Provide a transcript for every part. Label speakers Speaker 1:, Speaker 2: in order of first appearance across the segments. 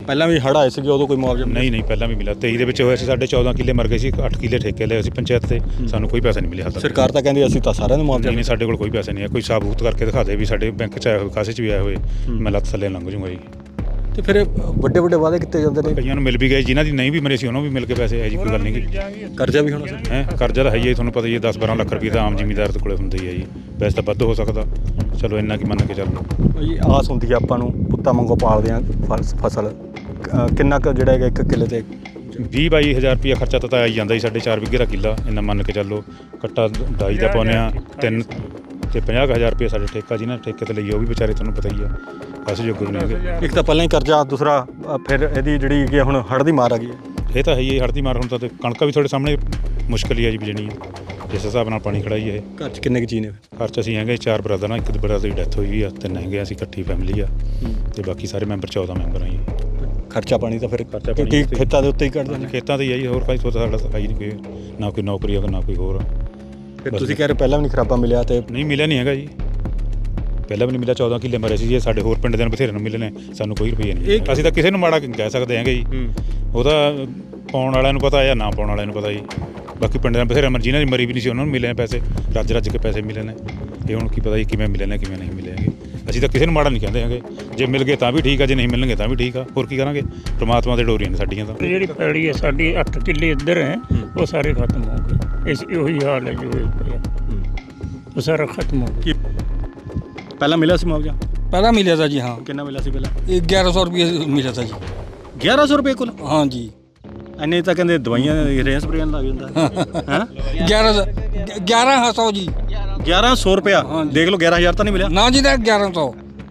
Speaker 1: ਪਹਿਲਾਂ ਵੀ ਹੜ੍ਹ ਆਏ ਸੀਗੇ, ਉਦੋਂ ਕੋਈ ਮੁਆਵਜ਼ਾ
Speaker 2: ਨਹੀਂ ਪਹਿਲਾਂ ਵੀ ਮਿਲਿਆ। 23 ਦੇ ਵਿੱਚ ਹੋਇਆ ਸੀ, ਸਾਡੇ 14 ਕਿੱਲੇ ਮਰ ਗਏ ਸੀ, 8 ਕਿੱਲੇ ਠੇਕੇ ਲਏ ਸੀ ਪੰਚਾਇਤ ਤੇ, ਸਾਨੂੰ ਕੋਈ ਪੈਸਾ ਨਹੀਂ ਮਿਲਿਆ ਹਾਲ ਤੱਕ।
Speaker 1: ਸਰਕਾਰ ਤਾਂ ਕਹਿੰਦੀ ਅਸੀਂ ਤਾਂ ਸਾਰਿਆਂ ਨੂੰ ਮੁਆਵਜ਼ਾ
Speaker 2: ਨਹੀਂ ਸਾਡੇ ਕੋਲ ਕੋਈ ਪੈਸੇ ਨਹੀਂ ਹੈ। ਕੋਈ ਸਾਬੂਤ ਕਰਕੇ ਦਿਖਾ ਦੇ ਵੀ ਸਾਡੇ ਬੈਂਕ 'ਚ ਆਏ ਹੋਏ, ਕਾਸੇ 'ਚ ਵੀ ਆਏ ਹੋਏ, ਮੈਂ ਲੱਤ ਥੱਲੇ ਲੰਘ ਜੂੰਗਾ ਜੀ।
Speaker 1: ਤੇ ਫਿਰ ਵੱਡੇ ਵੱਡੇ ਵਾਅਦੇ ਕੀਤੇ ਜਾਂਦੇ ਨੇ,
Speaker 2: ਕਈਆਂ ਨੂੰ ਮਿਲ ਵੀ ਗਏ, ਜਿਨ੍ਹਾਂ ਦੀ ਨਹੀਂ ਵੀ ਮਰੇ ਸੀ ਉਹਨਾਂ ਨੂੰ ਵੀ ਮਿਲ ਕੇ ਪੈਸੇ, ਇਹ ਜੀ ਕੋਈ ਗੱਲ ਨਹੀਂ ਗੀ।
Speaker 1: ਕਰਜ਼ਾ ਵੀ ਹੋਣਾ ਸੀ
Speaker 2: ਹੈ ਕਰਜ਼ਾ ਤਾਂ ਹੈ ਹੀ, ਤੁਹਾਨੂੰ ਪਤਾ ਹੀ ਹੈ 10-12 ਲੱਖ ਰੁਪਏ ਤਾਂ ਆਮ ਜ਼ਿਮੀਂਦਾਰ ਦੇ ਕੋਲੇ ਹੁੰਦਾ ਹੀ ਹੈ ਜੀ। ਵੈਸੇ ਤਾਂ ਵੱਧ ਹੋ ਸਕਦਾ, ਚਲੋ ਇੰਨਾ ਕੀ ਮੰਨ ਕੇ ਚੱਲੋ।
Speaker 1: ਭਾਈ ਆਸ ਹੁੰਦੀ ਹੈ ਆਪਾਂ ਨੂੰ, ਪੁੱਤਾਂ ਵਾਂਗੂ ਪਾਲਦੇ ਆ ਫਸਲ, ਕਿੰਨਾ ਕੁ ਜਿਹੜਾ ਹੈਗਾ 1 ਕਿੱਲੇ ਤੇ
Speaker 2: 20-22 ਹਜ਼ਾਰ ਰੁਪਇਆ ਖਰਚਾ ਤਾਂ ਆਈ ਜਾਂਦਾ ਜੀ। ਸਾਡੇ 4 ਵਿਗੇ ਦਾ ਕਿੱਲਾ, ਇੰਨਾ ਮੰਨ ਕੇ ਚੱਲੋ। ਕੱਟਾ ਡਾਈ ਦਾ ਪਾਉਂਦੇ ਹਾਂ 3 ਤੇ 50,000 ਰੁਪਏ ਸਾਡੇ ਠੇਕਾ, ਜਿਹਨਾਂ ਠੇਕੇ ਤੇ ਲਈ ਉਹ ਵੀ ਵਿਚਾਰੇ ਤੁਹਾਨੂੰ ਪਤਾ ਹੀ ਆ, ਪੈਸੇ ਜੋਗੇ ਨਹੀਂ ਹੈਗੇ।
Speaker 1: ਇੱਕ ਤਾਂ ਪਹਿਲਾਂ ਹੀ ਕਰਜ਼ਾ, ਦੂਸਰਾ ਫਿਰ ਇਹਦੀ ਜਿਹੜੀ ਹੈਗੀ ਹੁਣ ਹੜ੍ਹ ਦੀ ਮਾਰ ਆ ਗਈ ਹੈ।
Speaker 2: ਇਹ ਤਾਂ ਹੈ ਹੀ, ਹੜ੍ਹ ਦੀ ਮਾਰ ਹੁਣ ਤਾਂ ਕਣਕਾਂ ਵੀ ਤੁਹਾਡੇ ਸਾਹਮਣੇ ਮੁਸ਼ਕਿਲ ਹੀ ਆ ਜੀ ਬੀਜਣੀ, ਜਿਸ ਹਿਸਾਬ ਨਾਲ ਪਾਣੀ ਖੜਾ ਹੀ ਇਹ।
Speaker 1: ਘਰ 'ਚ ਕਿੰਨੇ ਕੁ ਜੀ ਨੇ?
Speaker 2: ਘਰ 'ਚ ਅਸੀਂ ਹੈਗੇ 4 ਬ੍ਰਦਰ ਆ, ਇੱਕ ਬ੍ਰਦਰ ਦੀ ਡੈਥ ਹੋਈ ਆ, 3 ਹੈਗੇ ਅਸੀਂ, ਇਕੱਠੀ ਫੈਮਿਲੀ ਆ, ਤੇ ਬਾਕੀ ਸਾਰੇ ਮੈਂਬਰ 14 ਮੈਂਬਰ ਆ ਜੀ।
Speaker 1: ਖਰਚਾ ਪਾਣੀ ਤਾਂ ਫਿਰ
Speaker 2: ਕੀ
Speaker 1: ਖੇਤਾਂ ਦੇ ਉੱਤੇ ਹੀ ਕੱਢਦੇ ਨੇ?
Speaker 2: ਖੇਤਾਂ ਤੇ ਹੀ ਆ ਜੀ, ਹੋਰ ਕੋਈ ਸੋਚਦਾ ਸਾਡਾ ਸਫਾਈ ਨਹੀਂ, ਕੋਈ ਨਾ ਕੋਈ ਨੌਕਰੀ ਆ ਨਾ ਕੋਈ ਹੋਰ।
Speaker 1: ਫਿਰ ਤੁਸੀਂ ਕਹਿ ਰਹੇ ਪਹਿਲਾਂ ਵੀ ਨਹੀਂ ਖਰਾਬਾ ਮਿਲਿਆ, ਤੇ
Speaker 2: ਨਹੀਂ ਮਿਲਿਆ ਨਹੀਂ ਹੈਗਾ ਜੀ, ਪਹਿਲਾਂ ਵੀ ਨਹੀਂ ਮਿਲਿਆ। 14 ਕਿੱਲੇ ਮਰੇ ਸੀ ਜੀ, ਸਾਡੇ ਹੋਰ ਪਿੰਡ ਦੇ ਨੂੰ ਬਥੇਰੇ ਨੂੰ ਮਿਲੇ ਨੇ, ਸਾਨੂੰ ਕੋਈ ਰੁਪਈਆ ਨਹੀਂ। ਅਸੀਂ ਤਾਂ ਕਿਸੇ ਨੂੰ ਮਾੜਾ ਕਹਿ ਸਕਦੇ ਹੈਗੇ ਜੀ, ਉਹ ਤਾਂ ਪਾਉਣ ਵਾਲਿਆਂ ਨੂੰ ਪਤਾ ਜਾਂ ਨਾ ਪਾਉਣ ਵਾਲਿਆਂ ਨੂੰ ਪਤਾ ਜੀ। ਬਾਕੀ ਪਿੰਡ ਦੇ ਬਥੇਰੇ ਜਿਹਨਾਂ ਦੀ ਮਰੀ ਵੀ ਨਹੀਂ ਸੀ ਉਹਨਾਂ ਨੂੰ ਮਿਲੇ ਨੇ ਪੈਸੇ, ਰੱਜ ਕੇ ਪੈਸੇ ਮਿਲੇ ਨੇ। ਇਹ ਹੁਣ ਕੀ ਪਤਾ ਜੀ ਕਿਵੇਂ ਮਿਲੇ ਨੇ ਕਿਵੇਂ ਨਹੀਂ ਮਿਲੇ ਹੈਗੇ। ਅਸੀਂ ਤਾਂ ਕਿਸੇ ਨੂੰ ਮਾੜਾ ਨਹੀਂ ਕਹਿੰਦੇ ਹੈਗੇ, ਜੇ ਮਿਲ ਗਏ ਤਾਂ ਵੀ ਠੀਕ ਆ, ਜੇ ਨਹੀਂ ਮਿਲਣਗੇ ਤਾਂ ਵੀ ਠੀਕ ਆ, ਹੋਰ ਕੀ ਕਰਾਂਗੇ। ਪ੍ਰਮਾਤਮਾ ਦੇ ਡੋਰੀਆਂ ਨੇ ਸਾਡੀਆਂ ਤਾਂ।
Speaker 3: ਜਿਹੜੀ ਪੈੜੀ ਹੈ ਸਾਡੀ 8 ਕਿੱਲੇ ਇੱਧਰ ਹੈ, ਉਹ ਸਾਰੇ ਖਤਮ ਹੋ ਗਏ। ਉਹੀ ਹਾਲ ਹੈ ਜੋ ਉਹ ਸਾਰਾ ਖਤਮ ਹੋ ਗਿਆ।
Speaker 1: ਪਹਿਲਾਂ ਮਿਲਿਆ ਸੀ ਮੁਆਵਜ਼ਾ?
Speaker 4: पहला मिला था जी। हाँ,
Speaker 1: ਕਿੰਨਾ ਮਿਲਿਆ ਸੀ ਪਹਿਲਾਂ?
Speaker 4: 1100 रुपये मिला था जी।
Speaker 1: 1100 ਰੁਪਏ ਕੁੱਲ?
Speaker 4: हाँ जी।
Speaker 1: ਇੰਨੇ ਤਾਂ ਕਹਿੰਦੇ ਦਵਾਈਆਂ ਰੇਹਾਂ ਸਪਰੇਆਂ ਲੱਗ ਜਾਂਦਾ ਹੈ।
Speaker 4: 1100 जी।
Speaker 1: 1100 ਰੁਪਇਆ? ਦੇਖ ਲਓ 11000 ਤਾਂ ਨਹੀਂ ਮਿਲਿਆ
Speaker 4: ना जी, 1100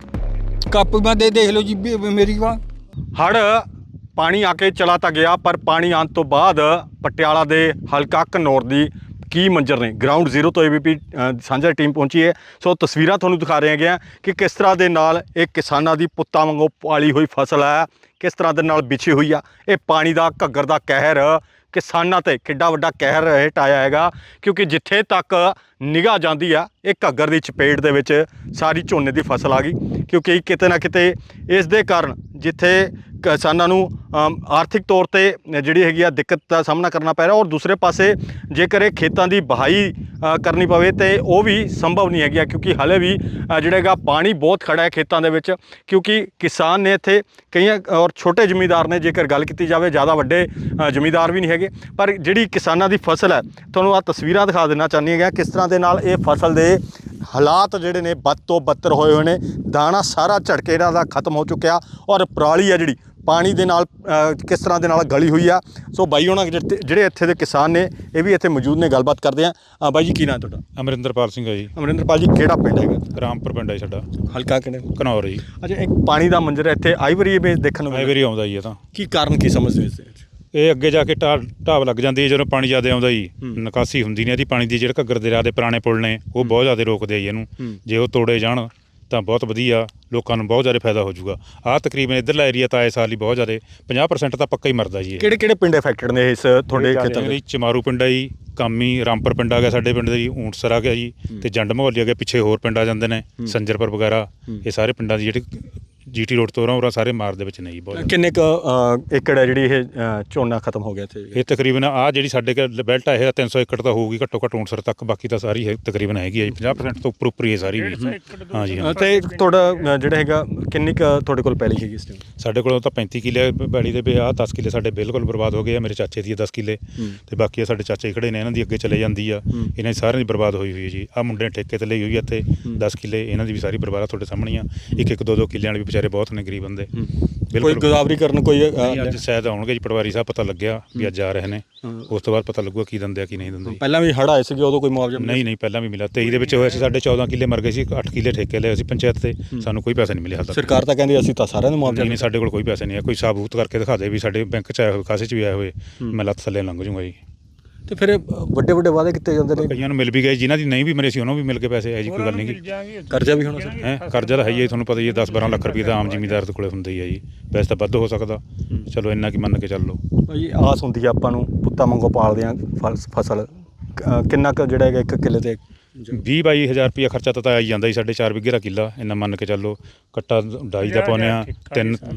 Speaker 4: ਕਾਪੀ ਮੈਂ ਦੇਖ ਲਓ ਜੀ ਮੇਰੀ ਬਾਂਹ।
Speaker 1: ਹੜ੍ਹ ਪਾਣੀ ਆ ਕੇ ਚਲਾ ਤਾਂ ਗਿਆ, ਪਰ ਪਾਣੀ ਆਉਣ ਤੋਂ ਬਾਅਦ ਪਟਿਆਲਾ ਦੇ ਹਲਕਾ ਘਨੌਰ ਦੀ ਕੀ ਮੰਜ਼ਰ ਨੇ। ਗਰਾਊਂਡ ਜ਼ੀਰੋ ਤੋਂ ABP ਸਾਂਝਾ ਟੀਮ ਪਹੁੰਚੀ ਹੈ। ਸੋ ਤਸਵੀਰਾਂ ਤੁਹਾਨੂੰ ਦਿਖਾ ਰਹੇ ਹੈਗੇ ਕਿ ਕਿਸ ਤਰ੍ਹਾਂ ਦੇ ਨਾਲ ਇਹ ਕਿਸਾਨਾਂ ਦੀ ਪੁੱਤਾਂ ਵਾਂਗੂ ਪਾਲੀ ਹੋਈ ਫਸਲ ਹੈ, ਕਿਸ ਤਰ੍ਹਾਂ ਦੇ ਨਾਲ ਵਿਛੀ ਹੋਈ ਆ। ਇਹ ਪਾਣੀ ਦਾ ਘੱਗਰ ਦਾ ਕਹਿਰ ਕਿਸਾਨਾਂ ਤੇ ਕਿੱਡਾ ਵੱਡਾ ਕਹਿਰ ਹੇਠ ਆਇਆ ਹੈਗਾ, ਕਿਉਂਕਿ ਜਿੱਥੇ ਤੱਕ ਨਿਗਾਹ ਜਾਂਦੀ ਆ ਇਹ ਘੱਗਰ ਦੀ ਚਪੇਟ ਦੇ ਵਿੱਚ ਸਾਰੀ ਝੋਨੇ ਦੀ ਫਸਲ ਆ ਗਈ। ਕਿਉਂਕਿ ਕਿਤੇ ਨਾ ਕਿਤੇ ਇਸ ਦੇ ਕਾਰਨ ਜਿੱਥੇ ਕਿਸਾਨਾਂ ਨੂੰ ਆਰਥਿਕ ਤੌਰ ਤੇ ਜਿਹੜੀ ਹੈਗੀ ਆ ਦਿੱਕਤ ਦਾ ਸਾਹਮਣਾ ਕਰਨਾ ਪੈ ਰਿਹਾ, ਔਰ ਦੂਸਰੇ ਪਾਸੇ ਜੇਕਰ ਇਹ ਖੇਤਾਂ ਦੀ ਵਹਾਈ ਕਰਨੀ ਪਵੇ ਤੇ ਉਹ ਵੀ ਸੰਭਵ ਨਹੀਂ ਹੈਗੀ, ਕਿਉਂਕਿ ਹਾਲੇ ਵੀ ਜਿਹੜਾ ਹੈਗਾ ਪਾਣੀ ਬਹੁਤ ਖੜਾ ਹੈ ਖੇਤਾਂ ਦੇ ਵਿੱਚ। ਕਿਉਂਕਿ ਕਿਸਾਨ ਨੇ ਇੱਥੇ ਕਈਆਂ ਔਰ ਛੋਟੇ ਜ਼ਿਮੀਂਦਾਰ ਨੇ, ਜੇਕਰ ਗੱਲ ਕੀਤੀ ਜਾਵੇ ਜ਼ਿਆਦਾ ਵੱਡੇ ਜ਼ਿਮੀਂਦਾਰ ਵੀ ਨਹੀਂ ਹੈਗੇ, ਪਰ ਜਿਹੜੀ ਕਿਸਾਨਾਂ ਦੀ ਫਸਲ ਹੈ ਤੁਹਾਨੂੰ ਆਹ ਤਸਵੀਰਾਂ ਦਿਖਾ ਦੇਣਾ ਚਾਹੁੰਦੀ ਹੈਗਾ ਕਿਸ ਤਰ੍ਹਾਂ ਦੇ ਨਾਲ ਇਹ ਫਸਲ ਦੇ ਹਾਲਾਤ ਜਿਹੜੇ ਨੇ ਬਦ ਤੋਂ ਬੱਤਰ ਹੋਏ ਹੋਏ ਨੇ। ਦਾਣਾ ਸਾਰਾ ਝੜਕੇ ਇਹਨਾਂ ਦਾ ਖਤਮ ਹੋ ਚੁੱਕਿਆ, ਔਰ ਪਰਾਲੀ ਆ ਜਿਹੜੀ ਪਾਣੀ ਦੇ ਨਾਲ ਕਿਸ ਤਰ੍ਹਾਂ ਦੇ ਨਾਲ ਗਲੀ ਹੋਈ ਆ। ਸੋ ਬਾਈ ਹੋਣਾ ਜਿਹੜੇ ਇੱਥੇ ਦੇ ਕਿਸਾਨ ਨੇ ਇਹ ਵੀ ਇੱਥੇ ਮੌਜੂਦ ਨੇ, ਗੱਲਬਾਤ ਕਰਦੇ ਆ। ਬਾਈ ਜੀ ਕੀ ਨਾਂ ਤੁਹਾਡਾ?
Speaker 2: ਅਮਰਿੰਦਰਪਾਲ ਸਿੰਘ ਹੈ ਜੀ।
Speaker 1: ਅਮਰਿੰਦਰਪਾਲ ਜੀ, ਕਿਹੜਾ ਪਿੰਡ ਹੈਗਾ?
Speaker 2: ਰਾਮਪੁਰ ਪਿੰਡ ਹੈ ਸਾਡਾ,
Speaker 1: ਹਲਕਾ ਕਿਹੜੇ?
Speaker 2: ਘਨੌਰ ਜੀ।
Speaker 1: ਅੱਛਾ, ਇੱਕ ਪਾਣੀ ਦਾ ਮੰਜ਼ਰ ਇੱਥੇ ਆਈ ਵਾਰੀ ਦੇਖਣ ਨੂੰ
Speaker 2: ਆਈ ਵਾਰੀ ਆਉਂਦਾ ਜੀ। ਇਹ ਤਾਂ
Speaker 1: ਕੀ ਕਾਰਨ ਕੀ ਸਮਝਦੇ ਇਸ ਦੇ ਵਿੱਚ?
Speaker 2: ਇਹ ਅੱਗੇ ਜਾ ਕੇ ਢਾਬ ਲੱਗ ਜਾਂਦੀ ਹੈ ਜਦੋਂ ਪਾਣੀ ਜ਼ਿਆਦਾ ਆਉਂਦਾ ਜੀ, ਨਿਕਾਸੀ ਹੁੰਦੀ ਨਹੀਂ ਇਹਦੀ ਪਾਣੀ ਦੀ। ਜਿਹੜੇ ਘੱਗਰ ਦਰਿਆ ਦੇ ਪੁਰਾਣੇ ਪੁਲ ਨੇ ਉਹ ਬਹੁਤ ਜ਼ਿਆਦਾ ਰੋਕਦੇ ਆ ਜੀ ਇਹਨੂੰ, ਜੇ ਉਹ ਤੋੜੇ ਜਾਣ ਤਾਂ ਬਹੁਤ ਵਧੀਆ, ਲੋਕਾਂ ਨੂੰ ਬਹੁਤ ਜ਼ਿਆਦਾ ਫਾਇਦਾ ਹੋ ਜਾਊਗਾ। ਆਹ ਤਕਰੀਬਨ ਇੱਧਰਲਾ ਏਰੀਆ ਤਾਂ ਆਏ ਸਾਲ ਹੀ ਬਹੁਤ ਜ਼ਿਆਦਾ 50% ਤਾਂ ਪੱਕਾ ਹੀ ਮਰਦਾ ਜੀ।
Speaker 1: ਕਿਹੜੇ ਕਿਹੜੇ ਪਿੰਡ ਅਫੈਕਟਡ ਨੇ ਇਸ ਤੁਹਾਡੇ ਖੇਤਾਂ ਦੇ?
Speaker 2: ਚਮਾਰੂ ਪਿੰਡ ਆ ਜੀ, ਕਾਮੀ, ਰਾਮਪੁਰ ਪਿੰਡ ਆ ਗਿਆ ਸਾਡੇ ਪਿੰਡ ਦੇ ਜੀ, ਊਂਟਸਰ ਆ ਗਿਆ ਜੀ, ਤੇ ਜੰਡ ਮਹੌਲੀ ਆ ਗਿਆ, ਪਿੱਛੇ ਹੋਰ ਪਿੰਡ ਆ ਜਾਂਦੇ ਨੇ, ਸੰਜਰਪੁਰ ਵਗੈਰਾ। ਇਹ ਸਾਰੇ ਪਿੰਡਾਂ ਦੀ ਜਿਹੜੀ GT ਰੋਡ ਤੋਂ ਉਰਾਂ ਸਾਰੇ ਮਾਰ ਦੇ ਵਿੱਚ ਨਹੀਂ। ਬਹੁਤ
Speaker 1: ਕਿੰਨੇ ਕੁ ਏਕੜ ਹੈ ਜਿਹੜੀ ਇਹ ਝੋਨਾ ਖਤਮ ਹੋ ਗਿਆ ਇੱਥੇ?
Speaker 2: ਇਹ ਤਕਰੀਬਨ ਆਹ ਜਿਹੜੀ ਸਾਡੇ ਬੈਲਟ ਆ ਇਹ 300 ਏਕੜ ਤਾਂ ਹੋਊਗੀ ਘੱਟੋ ਘੱਟ ਊਂਟਸਰ ਤੱਕ, ਬਾਕੀ ਤਾਂ ਸਾਰੀ ਤਕਰੀਬਨ ਹੈਗੀ ਆ ਜੀ 50% ਤੋਂ ਉੱਪਰ ਇਹ ਸਾਰੀ ਵੀ। ਹਾਂ ਜੀ ਹਾਂ।
Speaker 1: ਤੇ ਤੁਹਾਡਾ ਜਿਹੜਾ ਹੈਗਾ ਕਿੰਨੀ ਕੁ ਤੁਹਾਡੇ ਕੋਲ ਪੈਲੀ ਹੈਗੀ ਇਸ ਟਾਈਮ?
Speaker 2: ਸਾਡੇ ਕੋਲ ਤਾਂ 35 ਕਿੱਲੇ ਪੈਲੀ ਦੇ ਆ, 10 ਕਿੱਲੇ ਸਾਡੇ ਬਿਲਕੁਲ ਬਰਬਾਦ ਹੋ ਗਏ ਆ। ਮੇਰੇ ਚਾਚੇ ਦੀ 10 ਕਿੱਲੇ, ਤੇ ਬਾਕੀ ਸਾਡੇ ਚਾਚੇ ਖੜੇ ਨੇ, ਇਹਨਾਂ ਦੀ ਅੱਗੇ ਚਲੇ ਜਾਂਦੀ ਆ। ਇਹਨਾਂ ਦੀ ਸਾਰਿਆਂ ਦੀ ਬਰਬਾਦ ਹੋਈ ਹੋਈ ਹੈ ਜੀ। ਆਹ ਮੁੰਡੇ ਨੇ ਠੇਕੇ ਤੇ ਲਈ ਹੋਈ ਆ ਇੱਥੇ 10 ਕਿੱਲੇ, ਇਹਨਾਂ ਦੀ ਵੀ ਸਾਰੀ ਬਰਬਾਦ ਆ ਤੁਹਾਡੇ ਸਾਹਮਣੇ ਆ। ਇੱਕ 2-2 ਕਿੱਲਿਆਂ ਵਾਲੇ ਵੀ ਵਿਚਾਰੇ ਬਹੁਤ ਨੇ ਗਰੀਬ ਬੰਦੇ।
Speaker 1: ਕੋਈ ਗੋਦਾਵਰੀ ਕਰਨ ਕੋਈ
Speaker 2: ਅੱਜ ਸ਼ਾਇਦ ਆਉਣਗੇ ਜੀ, ਪਟਵਾਰੀ ਸਾਹਿਬ ਪਤਾ ਲੱਗਿਆ ਵੀ ਅੱਜ ਆ ਰਹੇ ਨੇ, ਉਸ ਤੋਂ ਬਾਅਦ ਪਤਾ ਲੱਗੂਗਾ ਕੀ ਦਿੰਦੇ ਆ ਕੀ ਨਹੀਂ ਦਿੰਦੇ।
Speaker 1: ਪਹਿਲਾਂ ਵੀ ਹੜ੍ਹ ਆਏ ਸੀਗੇ, ਉਦੋਂ ਕੋਈ ਮੁਆਵਜ਼ਾ
Speaker 2: ਨਹੀਂ ਪਹਿਲਾਂ ਵੀ ਮਿਲਿਆ। 23 ਦੇ ਵਿੱਚ ਹੋਇਆ ਸੀ, ਸਾਡੇ 14 ਕਿੱਲੇ ਮਰ ਗਏ ਸੀ, 8 ਕਿੱਲੇ ਠੇਕੇ ਲਏ ਸੀ ਪੰਚਾਇਤ ਤੇ, ਸਾਨੂੰ ਕੋਈ ਪੈਸਾ ਨਹੀਂ ਮਿਲਿਆ ਹਾਲ ਤੱਕ।
Speaker 1: ਸਰਕਾਰ ਤਾਂ ਕਹਿੰਦੀ ਅਸੀਂ ਤਾਂ ਸਾਰਿਆਂ ਨੂੰ ਮੁਆਵਜ਼ਾ
Speaker 2: ਨਹੀਂ ਸਾਡੇ ਕੋਲ ਕੋਈ ਪੈਸੇ ਨਹੀਂ ਹੈ। ਕੋਈ ਸਾਬੂਤ ਕਰਕੇ ਦਿਖਾ ਦੇ ਵੀ ਸਾਡੇ ਬੈਂਕ 'ਚ ਆਏ ਹੋਏ, ਕਾਸੇ 'ਚ ਵੀ ਆਏ ਹੋਏ, ਮੈਂ ਲੱਤ ਥੱਲੇ ਲੰਘ ਜੂੰਗਾ ਜੀ।
Speaker 1: ਤੇ ਫਿਰ ਵੱਡੇ ਵੱਡੇ ਵਾਅਦੇ ਕੀਤੇ ਜਾਂਦੇ ਨੇ,
Speaker 2: ਕਈਆਂ ਨੂੰ ਮਿਲ ਵੀ ਗਏ, ਜਿਨ੍ਹਾਂ ਦੀ ਨਹੀਂ ਵੀ ਮਰੇ ਸੀ ਉਹਨਾਂ ਨੂੰ ਵੀ ਮਿਲ ਕੇ ਪੈਸੇ, ਇਹ ਜੀ ਕੋਈ ਗੱਲ ਨਹੀਂ ਗੀ।
Speaker 1: ਕਰਜ਼ਾ ਵੀ ਹੋਣਾ ਸੀ?
Speaker 2: ਹੈ ਕਰਜ਼ਾ ਤਾਂ ਹੈ ਹੀ, ਤੁਹਾਨੂੰ ਪਤਾ ਹੀ ਹੈ 10-12 ਲੱਖ ਰੁਪਏ ਤਾਂ ਆਮ ਜ਼ਿਮੀਂਦਾਰ ਦੇ ਕੋਲੇ ਹੁੰਦਾ ਹੀ ਹੈ ਜੀ। ਵੈਸੇ ਤਾਂ ਵੱਧ ਹੋ ਸਕਦਾ, ਚਲੋ ਇੰਨਾ ਕੀ ਮੰਨ ਕੇ ਚੱਲੋ।
Speaker 1: ਭਾਈ ਆਸ ਹੁੰਦੀ ਹੈ ਆਪਾਂ ਨੂੰ, ਪੁੱਤਾਂ ਵਾਂਗੂ ਪਾਲਦੇ ਆ ਫਸਲ, ਕਿੰਨਾ ਕੁ ਜਿਹੜਾ ਹੈਗਾ 1 ਕਿੱਲੇ ਤੇ
Speaker 2: 20-22 ਹਜ਼ਾਰ ਰੁਪਇਆ ਖਰਚਾ ਤਾਂ ਆਈ ਜਾਂਦਾ ਜੀ। ਸਾਡੇ 4 ਵਿਗੇ ਦਾ ਕਿੱਲਾ, ਇੰਨਾ ਮੰਨ ਕੇ ਚੱਲੋ। ਕੱਟਾ ਡਾਈ ਦਾ ਪਾਉਂਦੇ ਹਾਂ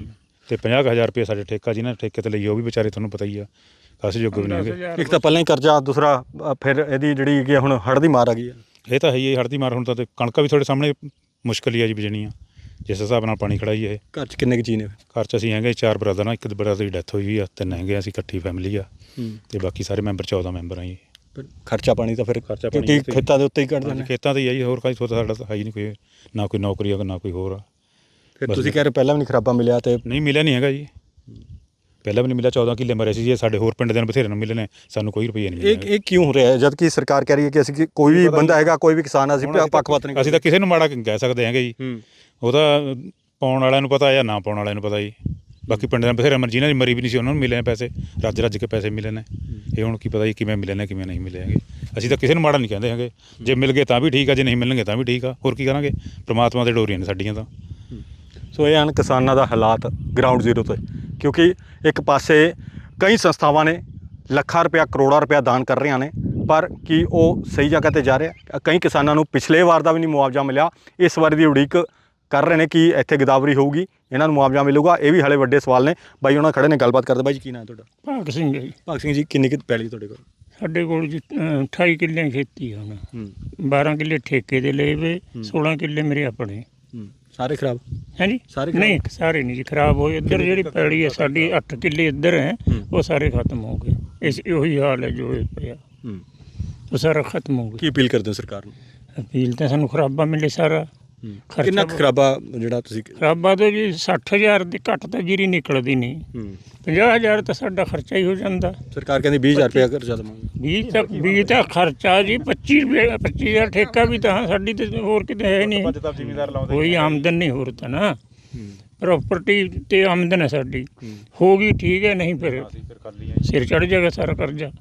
Speaker 2: ਤੇ 50,000 ਰੁਪਏ ਸਾਡੇ ਠੇਕਾ ਜਿਹਨਾਂ ਨੇ ਠੇਕੇ ਤੇ ਲਈ ਉਹ ਵੀ ਵਿਚਾਰੇ ਤੁਹਾਨੂੰ ਪਤਾ ਹੀ ਆ ਕਾਸੇ ਯੋਗ ਵੀ ਨਹੀਂ ਹੈਗੇ।
Speaker 1: ਇੱਕ ਤਾਂ ਪਹਿਲਾਂ ਹੀ ਕਰਜ਼ਾ, ਦੂਸਰਾ ਫਿਰ ਇਹਦੀ ਜਿਹੜੀ ਹੈਗੀ ਆ ਹੁਣ ਹੜ੍ਹ ਦੀ ਮਾਰ ਆ ਗਈ ਆ।
Speaker 2: ਇਹ ਤਾਂ ਹੈ ਹੀ ਹੜ੍ਹ ਦੀ ਮਾਰ। ਹੁਣ ਤਾਂ ਤੇ ਕਣਕਾਂ ਵੀ ਤੁਹਾਡੇ ਸਾਹਮਣੇ ਮੁਸ਼ਕਿਲ ਹੀ ਆ ਜੀ ਬੀਜਣੀਆਂ, ਜਿਸ ਹਿਸਾਬ ਨਾਲ ਪਾਣੀ ਖੜਾ ਹੀ ਇਹ।
Speaker 1: ਘਰ 'ਚ ਕਿੰਨੇ ਕੁ ਜੀ ਨੇ?
Speaker 2: ਘਰ 'ਚ ਅਸੀਂ ਹੈਗੇ 4 ਬ੍ਰਦਰ ਆ, ਇੱਕ ਬ੍ਰਦਰ ਦੀ ਡੈਥ ਹੋਈ ਆ, 3 ਹੈਗੇ ਅਸੀਂ, ਇਕੱਠੀ ਫੈਮਿਲੀ ਆ ਤੇ ਬਾਕੀ ਸਾਰੇ ਮੈਂਬਰ 14 ਮੈਂਬਰ ਆ ਜੀ।
Speaker 1: ਖਰਚਾ ਪਾਣੀ ਤਾਂ ਫਿਰ
Speaker 2: ਖਰਚਾ ਪਾਣੀ
Speaker 1: ਕਿਉਂਕਿ ਖੇਤਾਂ ਦੇ ਉੱਤੇ ਹੀ ਕੱਢਦੇ ਨੇ।
Speaker 2: ਖੇਤਾਂ 'ਤੇ ਹੀ ਆ ਜੀ, ਹੋਰ ਕਾਹਦੀ ਸੋਚ ਸਾਡਾ ਤਾਂ ਹੈ ਹੀ ਨਹੀਂ ਕੋਈ, ਨਾ ਕੋਈ ਨੌਕਰੀ ਆ ਨਾ ਕੋਈ ਹੋਰ ਆ।
Speaker 1: ਫਿਰ ਤੁਸੀਂ ਕਹਿ ਰਹੇ ਪਹਿਲਾਂ ਵੀ ਨਹੀਂ ਖਰਾਬਾ ਮਿਲਿਆ ਤੇ
Speaker 2: ਨਹੀਂ ਮਿਲਿਆ ਨਹੀਂ ਹੈਗਾ ਜੀ, ਪਹਿਲਾਂ ਵੀ ਨਹੀਂ ਮਿਲਿਆ। 14 ਕਿੱਲੇ ਮਰੇ ਸੀ ਜੀ, ਸਾਡੇ ਹੋਰ ਪਿੰਡ ਦੇ ਬਥੇਰੇ ਨੂੰ ਮਿਲੇ ਨੇ, ਸਾਨੂੰ ਕੋਈ ਰੁਪਈਆ ਨਹੀਂ ਮਿਲਿਆ।
Speaker 1: ਇਹ ਕਿਉਂ ਹੋ ਰਿਹਾ ਹੈ ਜਦ ਕਿ ਸਰਕਾਰ ਕਹਿ ਰਹੀ ਹੈ ਕਿ ਅਸੀਂ ਕੋਈ ਵੀ ਬੰਦਾ ਹੈਗਾ, ਕੋਈ ਵੀ ਕਿਸਾਨ, ਅਸੀਂ ਪੱਖਪਾਤ ਨਹੀਂ
Speaker 2: ਅਸੀਂ ਤਾਂ ਕਿਸੇ ਨੂੰ ਮਾੜਾ ਕਹਿ ਸਕਦੇ ਹੈਗੇ ਜੀ। ਉਹ ਤਾਂ ਪਾਉਣ ਵਾਲਿਆਂ ਨੂੰ ਪਤਾ ਜਾਂ ਨਾ ਪਾਉਣ ਵਾਲਿਆਂ ਨੂੰ ਪਤਾ ਜੀ। ਬਾਕੀ ਪਿੰਡ ਦੇ ਬਥੇਰੇ ਜਿਹਨਾਂ ਦੀ ਮਰੀ ਵੀ ਨਹੀਂ ਸੀ ਉਹਨਾਂ ਨੂੰ ਮਿਲੇ ਨੇ ਪੈਸੇ, ਰੱਜ ਕੇ ਪੈਸੇ ਮਿਲੇ ਨੇ। ਇਹ ਹੁਣ ਕੀ ਪਤਾ ਜੀ ਕਿਵੇਂ ਮਿਲੇ ਨੇ ਕਿਵੇਂ ਨਹੀਂ ਮਿਲੇ ਹੈਗੇ। ਅਸੀਂ ਤਾਂ ਕਿਸੇ ਨੂੰ ਮਾੜਾ ਨਹੀਂ ਕਹਿੰਦੇ ਹੈਗੇ, ਜੇ ਮਿਲ ਗਏ ਤਾਂ ਵੀ ਠੀਕ ਆ, ਜੇ ਨਹੀਂ ਮਿਲਣਗੇ ਤਾਂ ਵੀ ਠੀਕ ਆ, ਹੋਰ ਕੀ ਕਰਾਂਗੇ। ਪ੍ਰਮਾਤਮਾ ਦੇ ਡੋਰੀਆਂ ਨੇ ਸਾਡੀਆਂ ਤਾਂ।
Speaker 1: ਸੋ ਇਹ ਹਨ ਕਿਸਾਨਾਂ ਦਾ ਹਾਲਾਤ ਗਰਾਊਂਡ ਜ਼ੀਰੋ ਤੇ, ਕਿਉਂਕਿ ਇੱਕ ਪਾਸੇ ਕਈ ਸੰਸਥਾਵਾਂ ਨੇ ਲੱਖਾਂ ਰੁਪਇਆ ਕਰੋੜਾਂ ਰੁਪਇਆ ਦਾਨ ਕਰ ਰਹੀਆਂ ਨੇ, ਪਰ ਕੀ ਉਹ ਸਹੀ ਜਗ੍ਹਾ 'ਤੇ ਜਾ ਰਿਹਾ? ਕਈ ਕਿਸਾਨਾਂ ਨੂੰ ਪਿਛਲੇ ਵਾਰ ਦਾ ਵੀ ਨਹੀਂ ਮੁਆਵਜ਼ਾ ਮਿਲਿਆ, ਇਸ ਵਾਰ ਦੀ ਉਡੀਕ ਕਰ ਰਹੇ ਨੇ ਕਿ ਇੱਥੇ ਗਿਦਾਵਰੀ ਹੋਊਗੀ, ਇਹਨਾਂ ਨੂੰ ਮੁਆਵਜ਼ਾ ਮਿਲੂਗਾ। ਇਹ ਵੀ ਹਾਲੇ ਵੱਡੇ ਸਵਾਲ ਨੇ। ਬਾਈ ਉਹਨਾਂ ਖੜੇ ਨੇ, ਗੱਲਬਾਤ ਕਰਦੇ। ਬਾਈ ਜੀ ਕੀ ਨਾਂ ਹੈ ਤੁਹਾਡਾ?
Speaker 3: ਭਾਗ ਸਿੰਘ ਜੀ।
Speaker 1: ਭਾਗ ਸਿੰਘ ਜੀ, ਕਿੰਨੀ ਕੁ ਪੈਲੀ ਤੁਹਾਡੇ ਕੋਲ?
Speaker 3: ਸਾਡੇ ਕੋਲ ਜੀ 28 ਕਿੱਲੇ ਖੇਤੀ ਆ ਹੁਣ, 12 ਕਿੱਲੇ ਠੇਕੇ ਦੇ ਲਏ ਵੇ, 16 ਕਿੱਲੇ ਮੇਰੇ ਆਪਣੇ।
Speaker 1: ਸਾਰੇ ਖਰਾਬ
Speaker 3: ਹੈ ਜੀ?
Speaker 1: ਸਾਰੇ
Speaker 3: ਨਹੀਂ ਸਾਰੇ ਨਹੀਂ ਜੀ ਖਰਾਬ ਹੋਏ। ਇੱਧਰ ਜਿਹੜੀ ਪੈਲੀ ਹੈ ਸਾਡੀ 8 ਕਿੱਲੇ ਇੱਧਰ ਹੈ, ਉਹ ਸਾਰੇ ਖਤਮ ਹੋ ਗਏ। ਉਹੀ ਹਾਲ ਹੈ ਜੋ ਇਹ ਪਿਆ, ਉਹ ਸਾਰਾ ਖਤਮ ਹੋ ਗਿਆ।
Speaker 1: ਕੀ ਅਪੀਲ ਕਰਦੇ ਹੋ ਸਰਕਾਰ ਨੂੰ?
Speaker 3: ਅਪੀਲ ਤਾਂ ਸਾਨੂੰ ਖਰਾਬਾ ਮਿਲੇ ਸਾਰਾ।
Speaker 1: ਕਿੰਨਾ ਖਰਾਬਾ ਜਿਹੜਾ ਤੁਸੀਂ?
Speaker 3: ਖਰਾਬਾ ਤਾਂ ਜੀ 60,000 ਦੀ ਘੱਟ ਤਾਂ ਜੀਰੀ ਨਿਕਲਦੀ ਨਹੀਂ, 50,000 ਤਾਂ ਸਾਡਾ ਖਰਚਾ ਹੀ ਹੋ ਜਾਂਦਾ।
Speaker 1: ਸਰਕਾਰ ਕਹਿੰਦੀ 20,000 ਰੁਪਇਆ ਕਰਜ਼ਾ ਦੇਵਾਂਗੇ।
Speaker 3: 20 ਤਾਂ ਖਰਚਾ ਜੀ, 25,000 ਠੇਕਾ ਵੀ ਤਾਂ ਸਾਡੀ ਤੇ ਹੋਰ ਕਿਤੇ ਹੈ ਨਹੀਂ, ਕੋਈ ਆਮਦਨ ਨਹੀਂ ਹੋਰ ਤਾਂ ਨਾ। ਪ੍ਰਾਪਰਟੀ ਤੇ ਆਮਦਨ ਹੈ ਸਾਡੀ, ਹੋ ਗਈ ਠੀਕ ਹੈ, ਨਹੀਂ ਫਿਰ ਸਿਰ ਚੜ ਜਾਏਗਾ ਸਾਰਾ ਕਰਜ਼ਾ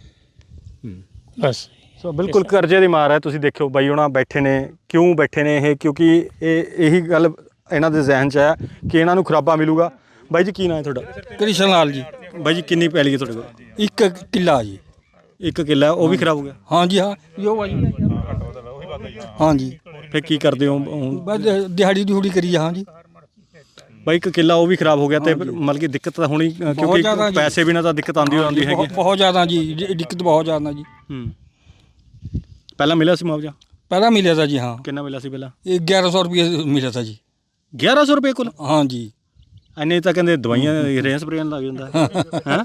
Speaker 3: ਬਸ।
Speaker 1: ਸੋ ਬਿਲਕੁਲ ਕਰਜ਼ੇ ਦੀ ਮਾਰ ਹੈ। ਤੁਸੀਂ ਦੇਖਿਓ ਬਾਈ ਉਹਨਾਂ ਬੈਠੇ ਨੇ, ਕਿਉਂ ਬੈਠੇ ਨੇ ਇਹ? ਕਿਉਂਕਿ ਇਹੀ ਗੱਲ ਇਹਨਾਂ ਦੇ ਜ਼ਿਹਨ 'ਚ ਹੈ ਕਿ ਇਹਨਾਂ ਨੂੰ ਖਰਾਬਾ ਮਿਲੂਗਾ। ਬਾਈ ਜੀ ਕੀ ਨਾਂ ਹੈ ਤੁਹਾਡਾ?
Speaker 4: ਕ੍ਰਿਸ਼ਨ ਲਾਲ ਜੀ।
Speaker 1: ਬਾਈ ਜੀ ਕਿੰਨੀ ਪੈਲੀ ਹੈ ਤੁਹਾਡੇ ਕੋਲ?
Speaker 4: 1 ਕਿੱਲਾ ਜੀ।
Speaker 1: 1 ਕਿੱਲਾ, ਉਹ ਵੀ ਖਰਾਬ ਹੋ ਗਿਆ?
Speaker 4: ਹਾਂਜੀ ਹਾਂ ਜੋ ਭਾਜੀ। ਹਾਂਜੀ
Speaker 1: ਫਿਰ ਕੀ ਕਰਦੇ ਹੋ ਹੁਣ?
Speaker 4: ਬਸ ਦਿਹਾੜੀ ਦਿਹੂੜੀ ਕਰੀ ਹਾਂ ਜੀ।
Speaker 1: ਬਾਈ 1 ਕਿੱਲਾ ਉਹ ਵੀ ਖਰਾਬ ਹੋ ਗਿਆ ਤੇ ਮਤਲਬ ਕਿ ਦਿੱਕਤ ਤਾਂ ਹੋਣੀ, ਕਿਉਂਕਿ ਪੈਸੇ ਬਿਨਾਂ ਤਾਂ ਦਿੱਕਤ ਆਉਂਦੀ ਹੈਗੀ।
Speaker 4: ਬਹੁਤ ਜ਼ਿਆਦਾ ਜੀ, ਦਿੱਕਤ ਬਹੁਤ ਜ਼ਿਆਦਾ ਜੀ।
Speaker 1: ਪਹਿਲਾਂ ਮਿਲਿਆ ਸੀ ਮੁਆਵਜ਼ਾ?
Speaker 4: ਪਹਿਲਾਂ ਮਿਲਿਆ ਤਾ ਜੀ। ਹਾਂ
Speaker 1: ਕਿੰਨਾ ਮਿਲਿਆ ਸੀ ਪਹਿਲਾਂ?
Speaker 4: ਇਹ 1100 ਰੁਪਏ ਮਿਲਿਆ ਤਾ ਜੀ।
Speaker 1: 1100 ਰੁਪਏ ਕੁੱਲ?
Speaker 4: ਹਾਂਜੀ।
Speaker 1: ਇੰਨੇ ਤਾਂ ਕਹਿੰਦੇ ਦਵਾਈਆਂ ਰੇਹਾਂ ਸਪਰੇਆਂ ਲੱਗ ਜਾਂਦਾ ਹੈ।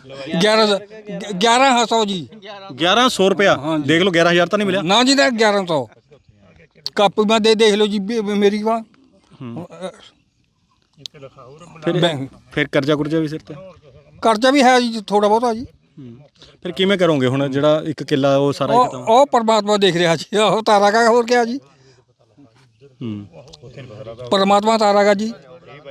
Speaker 4: 1100 ਜੀ।
Speaker 1: 1100 ਰੁਪਇਆ ਦੇਖ ਲਓ, 11,000 ਤਾਂ ਨਹੀਂ ਮਿਲਿਆ
Speaker 4: ਨਾ ਜੀ। ਤਾਂ 1100 ਕਾਪੀ ਮੈਂ ਦੇਖ ਲਓ ਜੀ ਮੇਰੀ ਵਾ।
Speaker 1: ਫਿਰ ਕਰਜ਼ਾ ਕੁਰਜ਼ਾ ਵੀ ਸਿਰ ਤੇ?
Speaker 4: ਕਰਜ਼ਾ ਵੀ ਹੈ ਜੀ ਥੋੜਾ ਬਹੁਤਾ ਜੀ।
Speaker 1: ਫਿਰ ਕਿਵੇਂ ਕਰੋਗੇ ਹੁਣ? ਜਿਹੜਾ 1 ਕਿੱਲਾ ਉਹ ਸਾਰਾ ਹੀ ਖਤਮ?
Speaker 4: ਉਹ ਪਰਮਾਤਮਾ ਦੇਖ ਰਿਹਾ ਜੀ, ਉਹ ਤਾਰਾ ਕਾ ਹੋਰ ਕਿਆ ਜੀ। ਪਰਮਾਤਮਾ ਤਾਰਾ ਕਾ ਜੀ।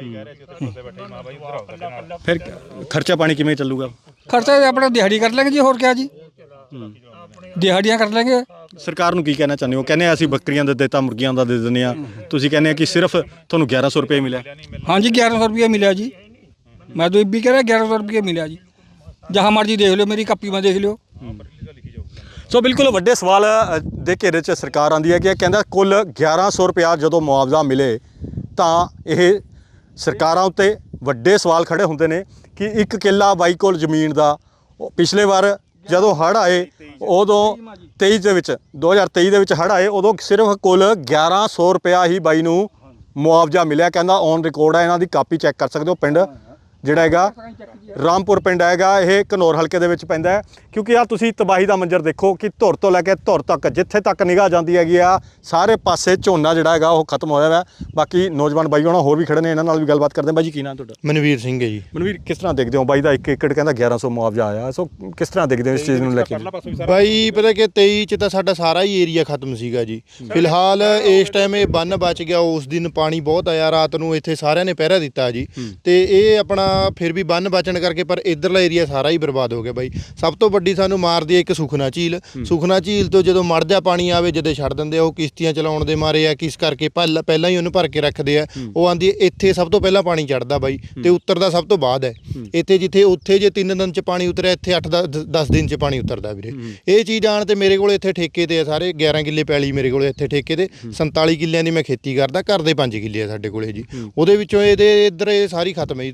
Speaker 1: ਫਿਰ ਖਰਚਾ ਪਾਣੀ ਕਿਵੇਂ ਚੱਲੂਗਾ?
Speaker 4: ਖਰਚਾ ਆਪਣਾ ਦਿਹਾੜੀ ਕਰ ਲੈਂਗੇ ਜੀ, ਹੋਰ ਕਿਆ ਜੀ। ਦਿਹਾੜੀਆਂ ਕਰ ਲੈਂਗੇ।
Speaker 1: ਸਰਕਾਰ ਨੂੰ ਕੀ ਕਹਿਣਾ ਚਾਹੁੰਦੇ ਹੋ? ਕਹਿੰਦੇ ਅਸੀਂ ਬੱਕਰੀਆਂ ਦਾ ਦਿੱਤਾ, ਮੁਰਗੀਆਂ ਦਾ ਦੇ ਦਿੰਦੇ ਆ, ਤੁਸੀਂ ਕਹਿੰਦੇ ਆ ਕਿ ਸਿਰਫ ਤੁਹਾਨੂੰ 1100 ਰੁਪਏ ਮਿਲਿਆ?
Speaker 4: ਹਾਂਜੀ 1100 ਰੁਪये ਮਿਲਿਆ ਜੀ। ਮੈਂ ਤਾਂ ਇਹ ਵੀ ਕਹਿ ਰਿਹਾ 1100 ਰੁਪये ਮਿਲਿਆ ਜੀ। ਜहाँ ਮਰਜੀ ਦੇਖ ਲਿਓ, ਮੇਰੀ ਕਾਪੀ ਮੈਂ ਦੇਖ ਲਿਓ।
Speaker 1: ਸੋ ਬਿਲਕੁਲ ਵੱਡੇ ਸਵਾਲ ਦੇ ਘੇਰੇ 'ਚ ਸਰਕਾਰ ਆਉਂਦੀ ਹੈ ਕਿ ਕਹਿੰਦਾ ਕੁੱਲ 1100 ਰੁਪਇਆ ਜਦੋਂ ਮੁਆਵਜ਼ਾ ਮਿਲੇ ਤਾਂ ਇਹ ਸਰਕਾਰਾਂ ਉੱਤੇ ਵੱਡੇ ਸਵਾਲ ਖੜੇ ਹੁੰਦੇ ਨੇ ਕਿ 1 ਕਿੱਲਾ ਬਾਈ ਕੋਲ ਜ਼ਮੀਨ ਦਾ, ਪਿਛਲੇ ਵਾਰ ਜਦੋਂ ਹੜ੍ਹ ਆਏ ਉਦੋਂ 2023 ਦੇ ਵਿੱਚ ਹੜ੍ਹ ਆਏ, ਉਦੋਂ ਸਿਰਫ ਕੁੱਲ 1100 ਰੁਪਇਆ ਹੀ ਬਾਈ ਨੂੰ ਮੁਆਵਜ਼ਾ ਮਿਲਿਆ। ਕਹਿੰਦਾ ਔਨ ਰਿਕਾਰਡ ਹੈ, ਇਹਨਾਂ ਦੀ ਕਾਪੀ ਚੈੱਕ ਕਰ ਸਕਦੇ ਹੋ। ਪਿੰਡ ਜਿਹੜਾ ਹੈਗਾ ਰਾਮਪੁਰ ਪਿੰਡ ਹੈਗਾ, ਇਹ ਘਨੌਰ ਹਲਕੇ ਦੇ ਵਿੱਚ ਪੈਂਦਾ ਹੈ। ਕਿਉਂਕਿ ਆ ਤੁਸੀਂ ਤਬਾਹੀ ਦਾ ਮੰਜ਼ਰ ਦੇਖੋ ਕਿ ਧੁਰ ਤੋਂ ਲੈ ਕੇ ਧੁਰ ਤੱਕ ਜਿੱਥੇ ਤੱਕ ਨਿਗਾਹ ਜਾਂਦੀ ਹੈਗੀ ਆ, ਸਾਰੇ ਪਾਸੇ ਝੋਨਾ ਜਿਹੜਾ ਹੈਗਾ ਉਹ ਖਤਮ ਹੋਇਆ ਹੋਇਆ। ਬਾਕੀ ਨੌਜਵਾਨ ਬਾਈ ਹੋਣਾ ਹੋਰ ਵੀ ਖੜੇ ਨੇ, ਇਹਨਾਂ ਨਾਲ ਵੀ ਗੱਲਬਾਤ ਕਰਦੇ ਹਾਂ। ਬਾਈ ਜੀ ਕੀ ਨਾਮ ਤੁਹਾਡਾ?
Speaker 5: ਮਨਵੀਰ ਸਿੰਘ ਹੈ ਜੀ।
Speaker 1: ਮਨਵੀਰ, ਕਿਸ ਤਰ੍ਹਾਂ ਦੇਖਦੇ ਹੋ ਬਾਈ ਦਾ 1 ਏਕੜ ਕਹਿੰਦਾ 1100 ਮੁਆਵਜ਼ਾ ਆਇਆ, ਸੋ ਕਿਸ ਤਰ੍ਹਾਂ ਦੇਖਦੇ ਹੋ ਇਸ ਚੀਜ਼ ਨੂੰ ਲੈ ਕੇ?
Speaker 5: ਬਾਈ ਪਤਾ ਕਿ 23 ਚ ਤਾਂ ਸਾਡਾ ਸਾਰਾ ਹੀ ਏਰੀਆ ਖਤਮ ਸੀਗਾ ਜੀ। ਫਿਲਹਾਲ ਇਸ ਟਾਈਮ ਇਹ ਬੰਨ ਬਚ ਗਿਆ। ਉਸ ਦਿਨ ਪਾਣੀ ਬਹੁਤ ਆਇਆ, ਰਾਤ ਨੂੰ ਇੱਥੇ ਸਾਰਿਆਂ ਨੇ ਪਹਿਰਾ ਦਿੱਤਾ ਜੀ, ਤੇ ਇਹ ਆਪਣਾ ਫਿਰ ਵੀ ਬੰਨ ਬਚਣ ਕਰਕੇ ਪਰ ਇਧਰਲਾ ਏਰੀਆ ਸਾਰਾ ਹੀ ਬਰਬਾਦ ਹੋ ਗਿਆ ਬਾਈ। ਸਭ ਤੋਂ ਵੱਡੀ ਸਾਨੂੰ ਮਾਰਦੀ ਹੈ ਇੱਕ ਸੁਖਨਾ ਝੀਲ। ਸੁਖਨਾ ਝੀਲ ਤੋਂ ਜਦੋਂ ਮੜ ਜਾ ਪਾਣੀ ਆਵੇ ਜਦੇ ਛੱਡ ਦਿੰਦੇ ਆ, ਉਹ ਕਿਸ਼ਤੀਆਂ ਚਲਾਉਣ ਦੇ ਮਾਰੇ ਆ, ਕਿਸ ਕਰਕੇ ਪਹਿਲਾਂ ਹੀ ਉਹਨੂੰ ਭਰ ਕੇ ਰੱਖਦੇ ਆ। ਉਹ ਆਂਦੀ ਇੱਥੇ ਸਭ ਤੋਂ ਪਹਿਲਾਂ ਪਾਣੀ ਚੜਦਾ ਬਾਈ, ਤੇ ਉਤਰਦਾ ਸਭ ਤੋਂ ਬਾਅਦ ਹੈ। ਇੱਥੇ ਉੱਥੇ ਜੇ 3 ਦਿਨ ਚ ਪਾਣੀ ਉਤਰਿਆ, ਇੱਥੇ 8-10 ਦਿਨ ਚ ਪਾਣੀ ਉਤਰਦਾ ਵੀਰੇ। ਇਹ ਚੀਜ਼ ਆਣ ਤੇ ਮੇਰੇ ਕੋਲ ਇੱਥੇ ਠੇਕੇ ਤੇ ਆ ਸਾਰੇ 11 ਕਿੱਲੇ ਪੈਲੀ ਮੇਰੇ ਕੋਲ ਇੱਥੇ ਠੇਕੇ ਤੇ। 47 ਕਿੱਲਿਆਂ ਦੀ ਮੈਂ ਖੇਤੀ ਕਰਦਾ, ਘਰ ਦੇ 5 ਕਿੱਲੇ ਆ ਸਾਡੇ ਕੋਲੇ ਜੀ। ਉਹਦੇ ਵਿੱਚੋਂ ਇਹਦੇ ਇੱਧਰ ਇਹ ਸਾਰੀ ਖਤਮ ਹੈ ਜੀ, ਤੁਸੀਂ ਦੇਖ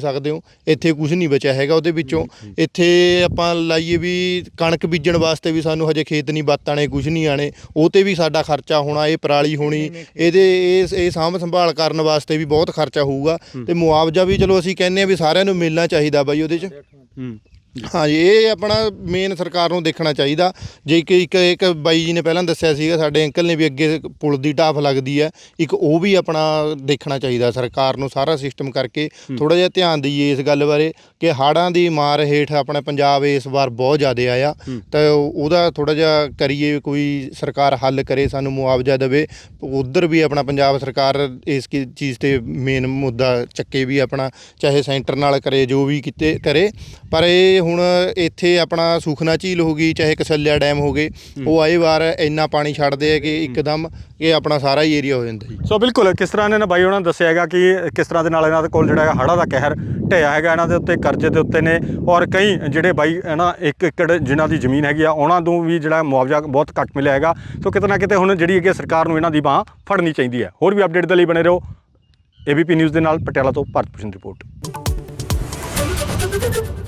Speaker 5: ਸਕਦੇ ਹੋ। ਇੱਥੇ ਕੁਝ ਨਹੀਂ ਬਚਿਆ ਹੈਗਾ ਉਹਦੇ ਵਿੱਚੋਂ। ਇੱਥੇ ਆਪਾਂ ਲਾਈਏ ਵੀ ਕਣਕ ਬੀਜਣ ਵਾਸਤੇ ਵੀ ਸਾਨੂੰ ਹਜੇ ਖੇਤ ਨਹੀਂ ਬੱਤ ਆਣੇ, ਕੁਝ ਨਹੀਂ ਆਣੇ, ਉਹ 'ਤੇ ਵੀ ਸਾਡਾ ਖਰਚਾ ਹੋਣਾ, ਇਹ ਪਰਾਲੀ ਹੋਣੀ, ਇਹ ਸਾਂਭ ਸੰਭਾਲ ਕਰਨ ਵਾਸਤੇ ਵੀ ਬਹੁਤ ਖਰਚਾ ਹੋਊਗਾ। ਤੇ ਮੁਆਵਜ਼ਾ ਵੀ ਚਲੋ ਅਸੀਂ ਕਹਿੰਦੇ ਆ ਵੀ ਸਾਰਿਆਂ ਨੂੰ ਮਿਲਣਾ ਚਾਹੀਦਾ ਬਾਈ ਉਹਦੇ 'ਚ। ਹਾਂਜੀ, ਇਹ ਆਪਣਾ ਮੇਨ ਸਰਕਾਰ ਨੂੰ ਦੇਖਣਾ ਚਾਹੀਦਾ। ਜੇ ਇੱਕ ਬਾਈ ਜੀ ਨੇ ਪਹਿਲਾਂ ਦੱਸਿਆ ਸੀਗਾ, ਸਾਡੇ ਅੰਕਲ ਨੇ ਵੀ, ਅੱਗੇ ਪੁਲ ਦੀ ਢਾਫ ਲੱਗਦੀ ਹੈ ਇੱਕ, ਉਹ ਵੀ ਆਪਣਾ ਦੇਖਣਾ ਚਾਹੀਦਾ ਸਰਕਾਰ ਨੂੰ, ਸਾਰਾ ਸਿਸਟਮ ਕਰਕੇ ਥੋੜ੍ਹਾ ਜਿਹਾ ਧਿਆਨ ਦਈਏ ਇਸ ਗੱਲ ਬਾਰੇ ਕਿ ਹੜ੍ਹਾਂ ਦੀ ਮਾਰ ਹੇਠ ਆਪਣਾ ਪੰਜਾਬ ਇਸ ਵਾਰ ਬਹੁਤ ਜ਼ਿਆਦਾ ਆਇਆ। ਤਾਂ ਉਹਦਾ ਥੋੜ੍ਹਾ ਜਿਹਾ ਕਰੀਏ, ਕੋਈ ਸਰਕਾਰ ਹੱਲ ਕਰੇ, ਸਾਨੂੰ ਮੁਆਵਜ਼ਾ ਦੇਵੇ। ਉੱਧਰ ਵੀ ਆਪਣਾ ਪੰਜਾਬ ਸਰਕਾਰ ਇਸ ਚੀਜ਼ 'ਤੇ ਮੇਨ ਮੁੱਦਾ ਚੱਕੇ ਵੀ ਆਪਣਾ, ਚਾਹੇ ਸੈਂਟਰ ਨਾਲ ਕਰੇ, ਜੋ ਵੀ ਕਿਤੇ ਕਰੇ। ਪਰ ਇਹ ਹੁਣ ਇੱਥੇ ਆਪਣਾ ਸੁਖਨਾ ਝੀਲ ਹੋ ਗਈ, ਚਾਹੇ ਕਸੱਲਿਆ ਡੈਮ ਹੋ ਗਏ, ਉਹ ਆਏ ਵਾਰ ਇੰਨਾ ਪਾਣੀ ਛੱਡਦੇ ਆ ਕਿ ਇੱਕਦਮ ਇਹ ਆਪਣਾ ਸਾਰਾ ਹੀ ਏਰੀਆ ਹੋ ਜਾਂਦਾ ਜੀ।
Speaker 1: ਸੋ ਬਿਲਕੁਲ ਕਿਸ ਤਰ੍ਹਾਂ ਇਹਨਾਂ ਨੇ ਬਾਈ ਉਹਨਾਂ ਨੇ ਦੱਸਿਆ ਹੈਗਾ ਕਿ ਕਿਸ ਤਰ੍ਹਾਂ ਦੇ ਨਾਲ ਇਹਨਾਂ ਦੇ ਕੋਲ ਜਿਹੜਾ ਹੈਗਾ ਹੜ੍ਹਾਂ ਦਾ ਕਹਿਰ ਢਿਆ ਹੈਗਾ, ਇਹਨਾਂ ਦੇ ਉੱਤੇ ਕਰਜ਼ੇ ਦੇ ਉੱਤੇ ਨੇ, ਔਰ ਕਈ ਜਿਹੜੇ ਬਾਈ ਨਾ 1 ਏਕੜ ਜਿਨ੍ਹਾਂ ਦੀ ਜ਼ਮੀਨ ਹੈਗੀ ਆ, ਉਹਨਾਂ ਨੂੰ ਵੀ ਜਿਹੜਾ ਮੁਆਵਜ਼ਾ ਬਹੁਤ ਘੱਟ ਮਿਲਿਆ ਹੈਗਾ। ਸੋ ਕਿਤੇ ਨਾ ਕਿਤੇ ਹੁਣ ਜਿਹੜੀ ਹੈਗੀ ਸਰਕਾਰ ਨੂੰ ਇਹਨਾਂ ਦੀ ਬਾਂਹ ਫੜਨੀ ਚਾਹੀਦੀ ਹੈ। ਹੋਰ ਵੀ ਅਪਡੇਟ ਦੇ ਲਈ ਬਣੇ ਰਹੋ। ABP ਨਿਊਜ਼ ਦੇ ਨਾਲ ਪਟਿਆਲਾ ਤੋਂ ਭਾਰਤ ਭੂਸ਼ਣ ਰਿਪੋਰਟ।